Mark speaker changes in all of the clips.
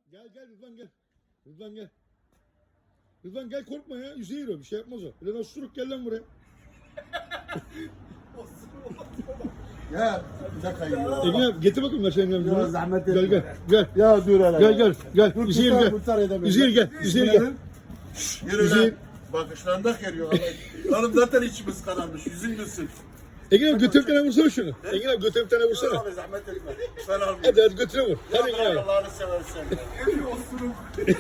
Speaker 1: Gel Rıdvan gel. Rıdvan gel. Rıdvan gel korkma ya. Üzeyir o bir şey yapmaz o. Lan osuruk gel lan buraya.
Speaker 2: Ya bir dakika yiyor.
Speaker 1: Engin abi getir bakayım ver senin
Speaker 2: Ya zahmet
Speaker 1: Gel
Speaker 2: etme.
Speaker 1: gel.
Speaker 2: Ya dur hele.
Speaker 1: Gel.
Speaker 2: Dur,
Speaker 1: Üzeyir
Speaker 2: kurtar,
Speaker 1: gel.
Speaker 2: kurtar edemedim.
Speaker 1: Üzeyir gel. Üzeyir gel.
Speaker 2: Yürü
Speaker 1: Üzeyir.
Speaker 2: lan. Bakışlarında geliyor. Oğlum zaten içimiz kararmış. Yüzün gülsün.
Speaker 1: Engin abi götür bir tane vursana şunu. Engin abi götür bir tane vursana.
Speaker 2: Abi zahmet etme. Ben almayayım.
Speaker 1: Hadi götüre vur. Hadi Engin abi.
Speaker 2: Allah'ını seversen. Bir osuruk.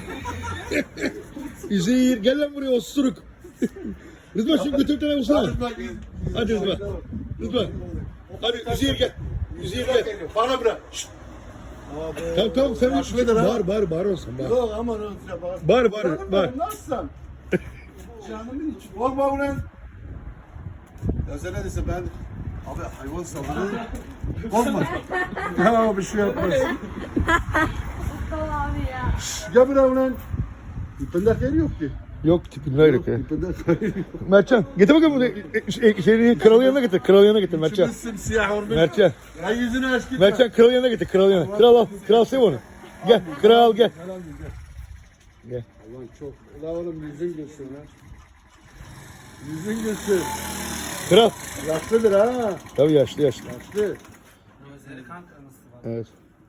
Speaker 1: Üzeyir gel lan buraya osuruk. Rıdvan şunu götür bir tane vursana. Hadi Rıdvan. Rıdvan. Hadi Üzeyir gel. Üzeyir gel.
Speaker 2: Bana bırak. Şşt.
Speaker 1: Tamam sen
Speaker 2: Haklıdır ha.
Speaker 1: bağır olsun bağır.
Speaker 2: Yok aman öyle bak.
Speaker 1: Bağır.
Speaker 2: Nasılsın? Canımın içi. Korkma ulan. Ya sen ne desin ben? Abi hayvan saldırı. Korkma. Ya bir şey yapmaz.
Speaker 3: Mustafa abi ya.
Speaker 2: Gel buraya ulan. İpinde yeri yok ki.
Speaker 1: Yok tipin ayrı ya.
Speaker 2: İpinde yeri yok.
Speaker 1: Mertcan getir bakalım bunu. Şeyini kralı yanına getir. Kralı yanına getir Mertcan.
Speaker 2: İçimiz simsiyah olmuş.
Speaker 1: Mertcan.
Speaker 2: Ya yüzünü aç gitme.
Speaker 1: Mertcan kralı yanına getir. Kralı yanına. Kral al. Kral sev onu. Gel. Kral gel. Gel.
Speaker 2: Ulan çok. Ulan oğlum yüzün gülsün lan. Yüzün gülsün.
Speaker 1: Kral.
Speaker 2: Yaşlıdır ha.
Speaker 1: Tabii yaşlı.
Speaker 2: Yaşlı.
Speaker 4: Gözleri kan kırmızı var.
Speaker 1: Evet.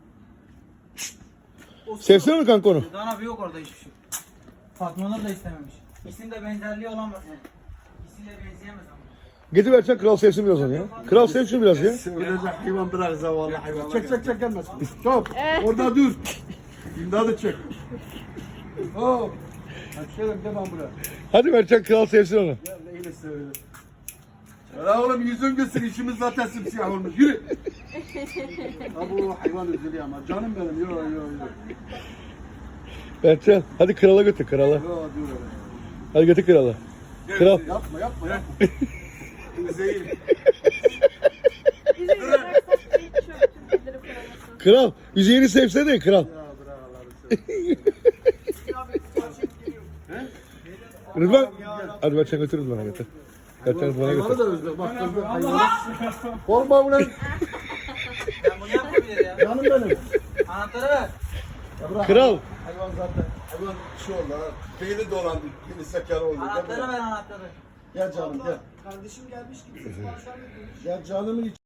Speaker 1: Sevsene mi kanka onu?
Speaker 4: Rıdvan abi yok orada hiçbir şey. Fatma Nur da istememiş. İkisinde benzerliği olamaz yani. İkisiyle benzeyemez ama.
Speaker 1: Getir Mertcan kral sevsin biraz onu ya. Kral sev şunu biraz ya.
Speaker 2: Sevilecek hayvan bırak zavallı hayvan. Çek gelmesin. Stop. Orada dur. İmdadı çek. Hop. Hadi gel ben buraya.
Speaker 1: Hadi Mertcan kral sevsin onu.
Speaker 2: Gel neyle seviyorum. Ya oğlum yüzün gülsün işimiz zaten simsiyah olmuş. Yürü. Ya bu hayvan üzülüyor ama canım benim. Yo.
Speaker 1: Mertcan hadi krala götür krala.
Speaker 2: Yo dur öyle.
Speaker 1: Hadi götür krala. Kral.
Speaker 2: Yapma. Zehir.
Speaker 3: Bizi bıraksak da hiç çöpçü bildirip koymasın.
Speaker 1: Kral. Üzeyir'i sevsene kral.
Speaker 2: Ya bırak Allah'ını seversen.
Speaker 1: Rıdvan. Hadi Mertcan götür Rıdvan'a götür. Mertcan Rıdvan'a
Speaker 2: Hayvanı
Speaker 1: götür.
Speaker 2: da özle. Bak özle hayvanı. Korkma ulan.
Speaker 4: Ben bunu yapmayabilir ya.
Speaker 2: Canım benim.
Speaker 4: Anahtarı ver.
Speaker 2: Ya bırak.
Speaker 1: Kral.
Speaker 2: Hayvan zaten. Hayvan şey oldu ha. Beyni dolandı. Yine sekar oldu.
Speaker 4: Anahtarı ver anahtarı.
Speaker 2: Gel canım gel.
Speaker 4: Kardeşim gelmiş gibi.
Speaker 2: Gel canımın içi.